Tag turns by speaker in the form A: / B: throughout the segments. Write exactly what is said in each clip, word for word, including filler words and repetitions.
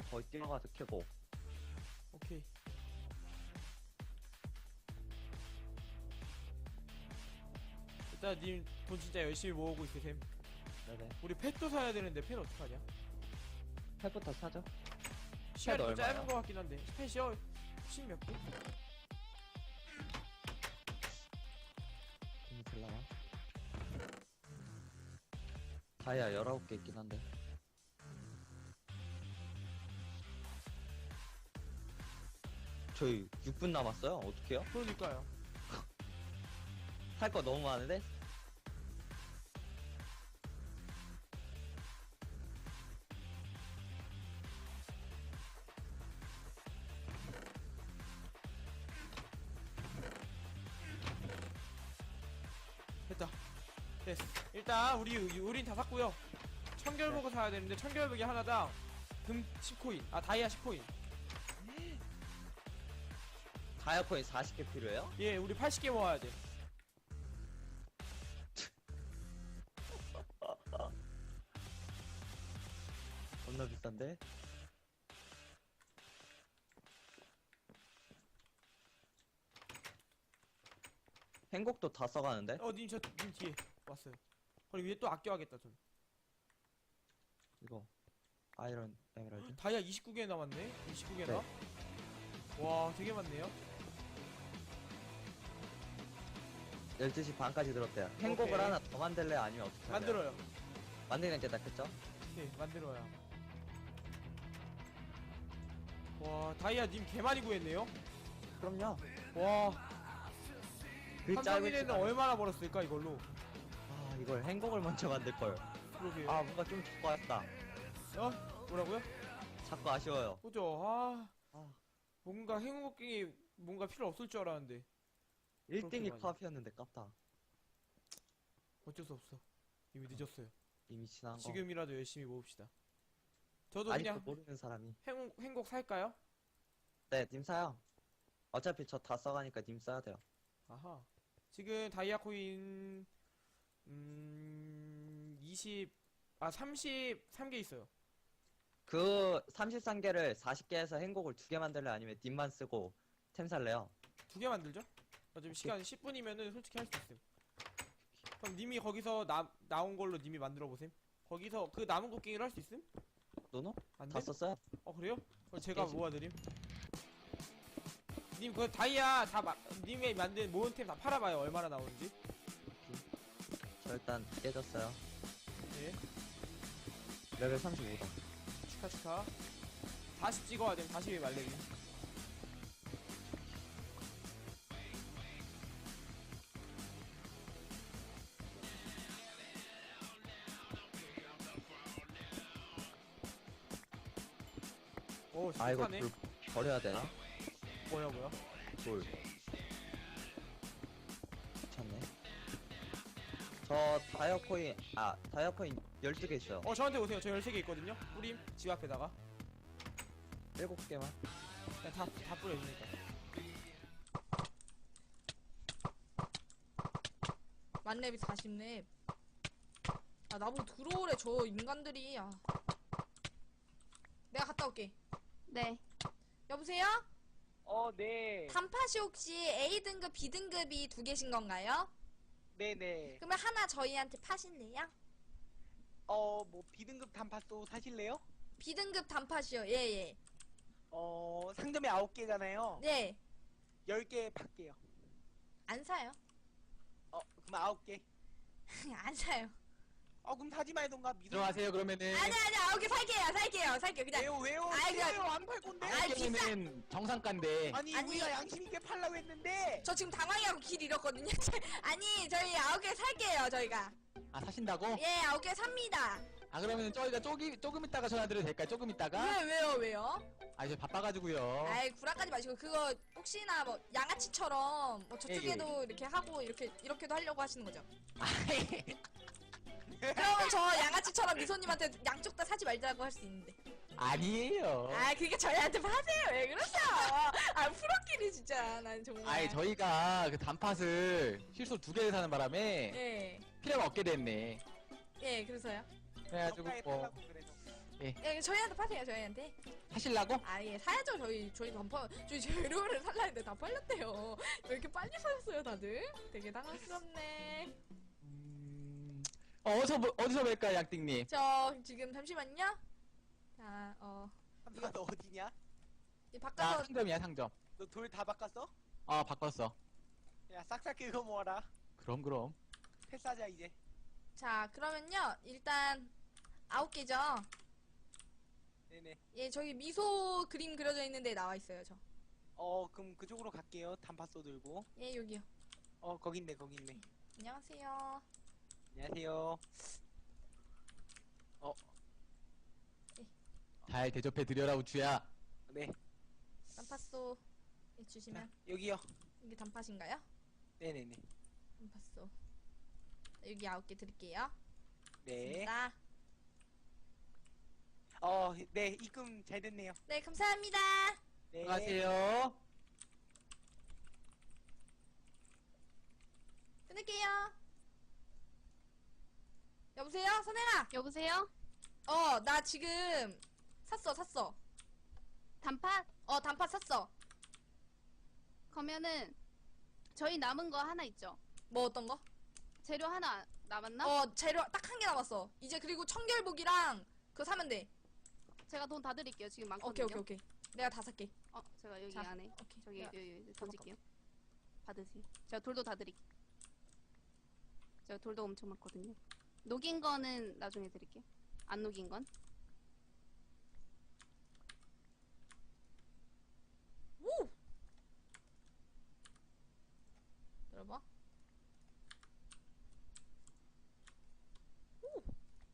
A: 거기 뛰어가서 캐고.
B: 오케이. 일단 님 돈 진짜 열심히 모으고 있으셈.
A: 네네.
B: 우리 펫도 사야 되는데 펫 어떡하냐?
A: 펫부터 사죠.
B: 시간이 좀
A: 얼마야?
B: 짧은 것 같긴 한데 펫이요? 십 몇 개?
A: 돈이 들라나? 다이아 열아홉 개 있긴 한데. 저희 육 분 남았어요. 어떡해요?
B: 그러니까요.
A: 할 거 너무 많은데?
B: 됐다. 됐어. 일단 우리 우린 다 샀고요. 청결버거
A: 네.
B: 사야 되는데 청결버거 하나당 금 십 코인, 아 다이아 십 코인.
A: 다이아 코인 사십 개 필요해요?
B: 예, 우리 팔십 개 모아야 돼.
A: 겁나 비싼데? 행복도 다 써가는데?
B: 어, 님 저 님 뒤에 왔어요. 그리고 위에 또 아껴야겠다 좀.
A: 이거 아이런 에메랄드.
B: 다이아 이십구 개 남았네. 이십구 개나?
A: 네.
B: 와, 되게 많네요.
A: 열두 시 반까지 들었대요. 행복을
B: 오케이.
A: 하나 더 만들래? 아니면 어떻게 하래요?
B: 만들어요.
A: 만드는 게 낫겠죠?
B: 네, 만들어야. 와, 다이아 님 개 많이 구했네요.
A: 그럼요.
B: 와,
A: 그
B: 한
A: 짧은
B: 명이네는
A: 시간에.
B: 얼마나 벌었을까 이걸로.
A: 아, 이걸 행복을 먼저 만들걸.
B: 그러게요.
A: 아, 뭔가 좀 좋고 왔다.
B: 어? 뭐라고요?
A: 자꾸 아쉬워요.
B: 그죠? 아,
A: 아,
B: 뭔가 행복이 뭔가 필요 없을 줄 알았는데
A: 일 등이
B: 그렇게
A: 코앞이었는데 깝다.
B: 어쩔 수 없어. 이미 늦었어요.
A: 이미 지난 거.
B: 지금이라도 열심히 모읍시다. 저도
A: 아직도
B: 그냥
A: 모르는 사람이.
B: 행, 행복 살까요?
A: 네, 님 사요. 어차피 저 다 써가니까 님 써야 돼요.
B: 아하. 지금 다이아 코인 음... 이십... 아 삼십삼 개 있어요.
A: 그 삼십삼 개를 사십 개에서 행복을 두 개 만들래? 아니면 님만 쓰고 템 살래요?
B: 두 개 만들죠? 어차피 시간 십 분이면은 솔직히 할 수 있음. 그럼 님이 거기서 나, 나온 걸로 님이 만들어 보셈. 거기서 그 남은 곡괭이를 할 수 있음?
A: 노노?
B: 안
A: 다
B: 돼?
A: 썼어요?
B: 어 그래요? 그럼 제가
A: 깨지.
B: 모아드림. 님 그 다이아 다 마, 님이 만든 모은 템 다 팔아봐요. 얼마나 나오는지.
A: 저 일단 깨졌어요.
B: 네.
A: 레벨 삼십오다.
B: 축하 축하. 다시 찍어야 됨. 다시 말레기. 오
A: 아, 이거
B: 시작하네.
A: 돌 버려야 되나?
B: 뭐야 뭐야.
A: 돌. 미쳤네. 저 다이아 코인, 아, 다이아 코인 열두 개 있어요.
B: 어 저한테 오세요. 저 열세 개 있거든요. 뿌림 집 앞에다가
A: 일곱 개만.
B: 그냥 다, 다 뿌려주니까.
C: 만렙이 사십 렙. 아, 나보고 들어오래, 저 인간들이. 아. 내가 갔다 올게.
D: 네.
C: 여보세요?
E: 어, 네.
C: 단팥이 혹시 A등급, B등급이 두 개신 건가요?
E: 네네.
C: 그러면 하나 저희한테 파실래요?
E: 어, 뭐, 비등급 단팥도 사실래요?
C: B등급 단팥이요. 예, 예.
E: 어, 상점에 아홉 개잖아요.
C: 네.
E: 열 개 팔게요.
C: 안 사요.
E: 어, 그럼 아홉 개.
C: 안 사요.
E: 어, 그럼 사지 말던가. 믿어.
F: 들어가세요 그러면은.
C: 아니, 아니, 아홉 개 살게요. 살게요. 살게요. 그냥.
E: 왜요, 왜요?
C: 아이, 그냥-
E: 왜요? 안 팔 건데?
C: 아이, 비싸-
F: 경우는 정상가인데.
E: 아니,
C: 아니.
E: 우리가 양심있게 팔라고 했는데.
C: 저 지금 당황해하고 길 잃었거든요. 아니, 저희 아홉 개 살게요. 저희가.
F: 아 사신다고?
C: 예, 아홉 개 삽니다.
F: 아 그러면은 저희가 조금 조금 있다가 전화드려도 될까요? 조금 있다가?
C: 왜, 왜요, 왜요?
F: 아 이제 바빠가지고요.
C: 아이 구라까지 마시고 그거 혹시나 뭐 양아치처럼 뭐 저쪽에도 이렇게 하고 이렇게 이렇게도 하려고 하시는 거죠?
F: 아이,
C: 그러면 저 양아치처럼 미소님한테 양쪽 다 사지 말자고 할 수 있는데.
F: 아니에요.
C: 아 그게 저희한테 하세요. 왜 그러죠? 아 프로끼리 진짜 난 정말.
F: 아이 저희가 그 단팥을 실수로 두 개를 사는 바람에
C: 예.
F: 필요가 없게 됐네.
C: 예 그래서요.
F: 그래가지고
E: 정가에
F: 뭐
E: 팔라고 그래서.
C: 예, 저희한테 파세요, 저희한테.
F: 하실라고?
C: 아, 예, 사야죠, 저희. 저희 다 팔, 저희 재료를 살라 했는데 다 팔렸대요. 왜 이렇게 빨리 사셨어요, 다들? 되게 당황스럽네.
F: 음... 어, 어디서 보- 어디서 뵐까요, 양띵님?
C: 저, 지금, 잠시만요. 자, 어,
E: 한빈아 너 어디냐?
C: 이
F: 나
C: 바꿔서,
F: 상점이야, 상점.
E: 너 돌 다 바꿨어?
F: 아, 바꿨어.
E: 야 싹싹 긁어 모아라.
F: 그럼 그럼.
E: 패스하자 이제.
C: 자, 그러면요, 일단, 아홉 개죠?
E: 네네.
C: 예, 저기 미소 그림 그려져 있는데 나와 있어요, 저.
E: 어 그럼 그쪽으로 갈게요. 단팥소 들고.
C: 예, 여기요.
E: 어 거기 있네 거기 있네.
C: 안녕하세요.
E: 안녕하세요.
F: 잘 대접해 드려라, 우추야.
E: 네.
C: 단팥소 예,
E: 자,
C: 주시면
E: 여기요.
C: 이게 단팥인가요?
E: 네네네.
C: 단팥소. 여기 아홉 개 드릴게요.
E: 네.
C: 자,
E: 어, 네 입금 잘 됐네요.
C: 네, 감사합니다.
E: 네.
F: 안녕하세요.
C: 끊을게요. 여보세요, 선혜아.
D: 여보세요?
C: 어, 나 지금 샀어, 샀어.
D: 단팥?
C: 어, 단팥 샀어.
D: 그러면은 저희 남은 거 하나 있죠?
C: 뭐 어떤 거?
D: 재료 하나 남았나?
C: 어, 재료 딱 한 개 남았어. 이제 그리고 청결복이랑 그거 사면 돼.
D: 제가 돈 다 드릴게요. 지금
C: 오케이,
D: 많거든요.
C: 오케이, 오케이. 내가 다 살게.
D: 어, 제가 여기
C: 자,
D: 안에
C: 오케이.
D: 저기
C: 내가
D: 여기, 여기
C: 다
D: 던질게요. 받으세요. 제가 돌도 다 드릴게요. 제가 돌도 엄청 많거든요. 녹인 거는 나중에 드릴게요. 안 녹인 건?
C: 오! 들어봐. 오!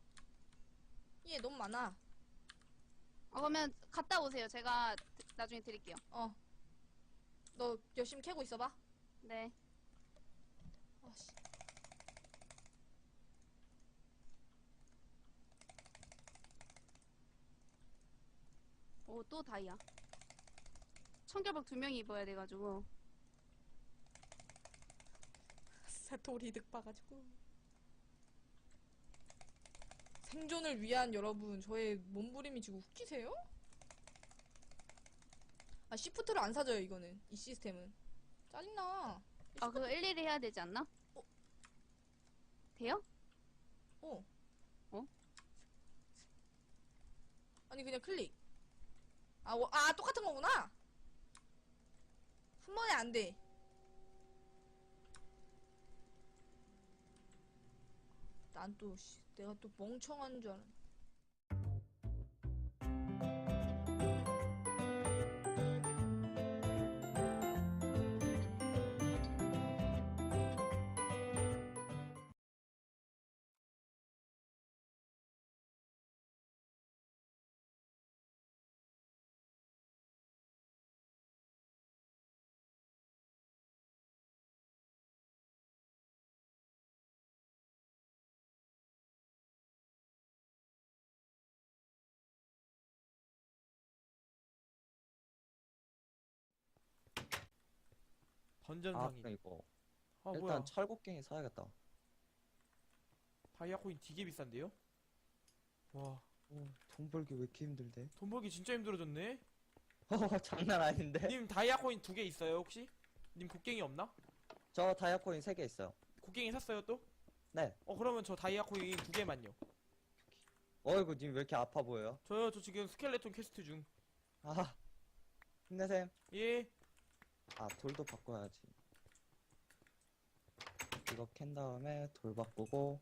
C: 얘 너무 많아.
D: 어, 그러면 갔다 오세요. 제가 드- 나중에 드릴게요.
C: 어. 너 열심히 캐고 있어봐.
D: 네.
C: 아씨.
D: 오, 또 다이아. 청결복 두 명이 입어야 돼가지고.
C: 진짜 돌이 득봐가지고. 생존을 위한 여러분, 저의 몸부림이 지금 웃기세요? 아, 시프트를 안 사줘요, 이거는. 이 시스템은. 짜증나.
D: 아, 그거 일일이 해야 되지 않나?
C: 어?
D: 돼요?
C: 어.
D: 어?
C: 아니, 그냥 클릭. 아, 워- 아, 똑같은 거구나? 한 번에 안 돼. 난 또, 씨, 내가 또 멍청한 줄 알았네.
A: 아,
B: 던전상인.
A: 그럼 이거.
B: 아,
A: 일단
B: 뭐야.
A: 철곡갱이 사야겠다.
B: 다이아 코인 되게 비싼데요? 와,
A: 어, 돈 벌기 왜 이렇게 힘들대?
B: 돈 벌기 진짜 힘들어졌네?
A: 어, 장난 아닌데?
B: 님 다이아 코인 두 개 있어요, 혹시? 님 곡괭이 없나?
A: 저 다이아 코인 세 개 있어요.
B: 곡괭이 샀어요, 또?
A: 네.
B: 어, 그러면 저 다이아 코인 두 개만요.
A: 어이구, 님 왜 이렇게 아파 보여요?
B: 저요, 저 지금 스켈레톤 퀘스트 중.
A: 아, 힘내셈.
B: 예.
A: 아, 돌도 바꿔야지. 이거 캔 다음에 돌 바꾸고.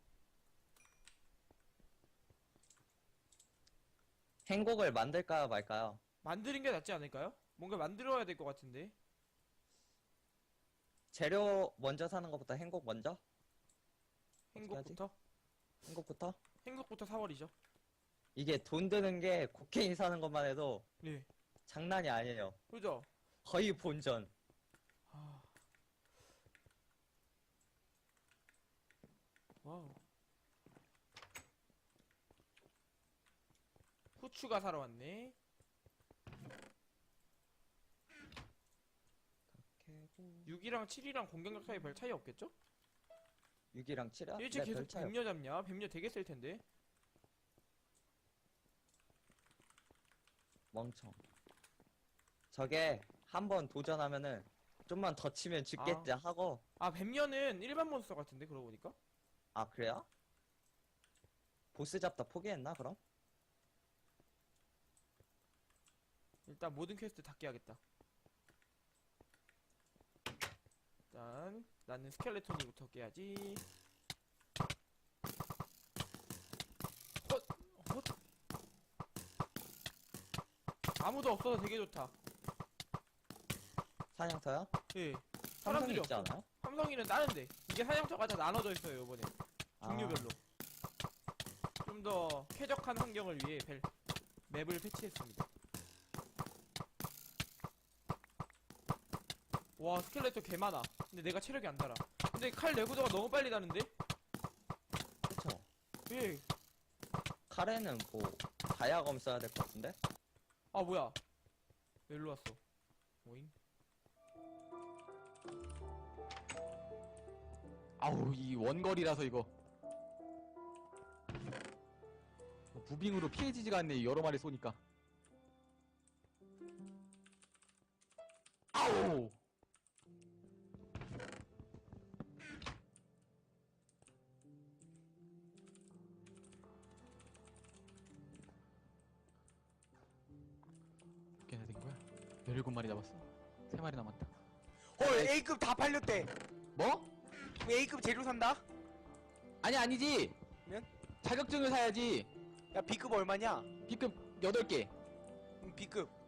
A: 행곡을 만들까요, 말까요?
B: 만드는 게 낫지 않을까요? 뭔가 만들어야 될 것 같은데.
A: 재료 먼저 사는 것보다 행곡 먼저?
B: 행복부터?
A: 행곡부터?
B: 행복부터 사월이죠.
A: 이게 돈 드는 게 곡괭이 사는 것만 해도
B: 네.
A: 장난이 아니에요.
B: 그죠?
A: 거의 본전.
B: 아. 와우. 후추가 사러 왔네. 육이랑 칠이랑 공격력 차이 별 차이 없겠죠?
A: 육이랑 칠이야?
B: 일찍
A: 네,
B: 계속
A: 별 차이 없-
B: 뱀녀 잡냐? 뱀녀 되게 셀 텐데.
A: 멍청. 저게 한 번 도전하면은 좀만 더 치면 죽겠지 하고.
B: 아 뱀녀는 일반 몬스터 같은데 그러고 보니까.
A: 아 그래요? 보스 잡다 포기했나 그럼?
B: 일단 모든 퀘스트 다 깨야겠다. 일단 나는 스켈레톤이부터 깨야지. 헛! 헛! 아무도 없어서 되게 좋다.
A: 사냥터요?
B: 예.
A: 삼성이
B: 사람들이
A: 있지
B: 없어.
A: 않아요?
B: 삼성이는 다른데 이게 사냥터가 다 나눠져 있어요 이번에.
A: 아.
B: 종류별로. 좀 더 쾌적한 환경을 위해 벨, 맵을 패치했습니다. 와 스켈레톤 개 많아. 근데 내가 체력이 안 달아. 근데 칼 내구도가 너무 빨리 다는데?
A: 그쵸.
B: 예.
A: 카레는 뭐 다이아검 써야 될 것 같은데?
B: 아 뭐야? 왜 일로 왔어? 오잉?
F: 아우 이 원거리라서 이거 무빙으로 피해지지가 않네 여러 마리 쏘니까. 아우 몇 개나 된 거야? 열일곱 마리 남았어. 세 마리 남았다.
E: 헐 A급 다 팔렸대.
F: 뭐?
E: A급 재료 산다?
F: 아니 아니지.
E: 면?
F: 자격증을 사야지.
E: 야 B급 얼마냐?
F: B급 여덟 개.
E: 음, B급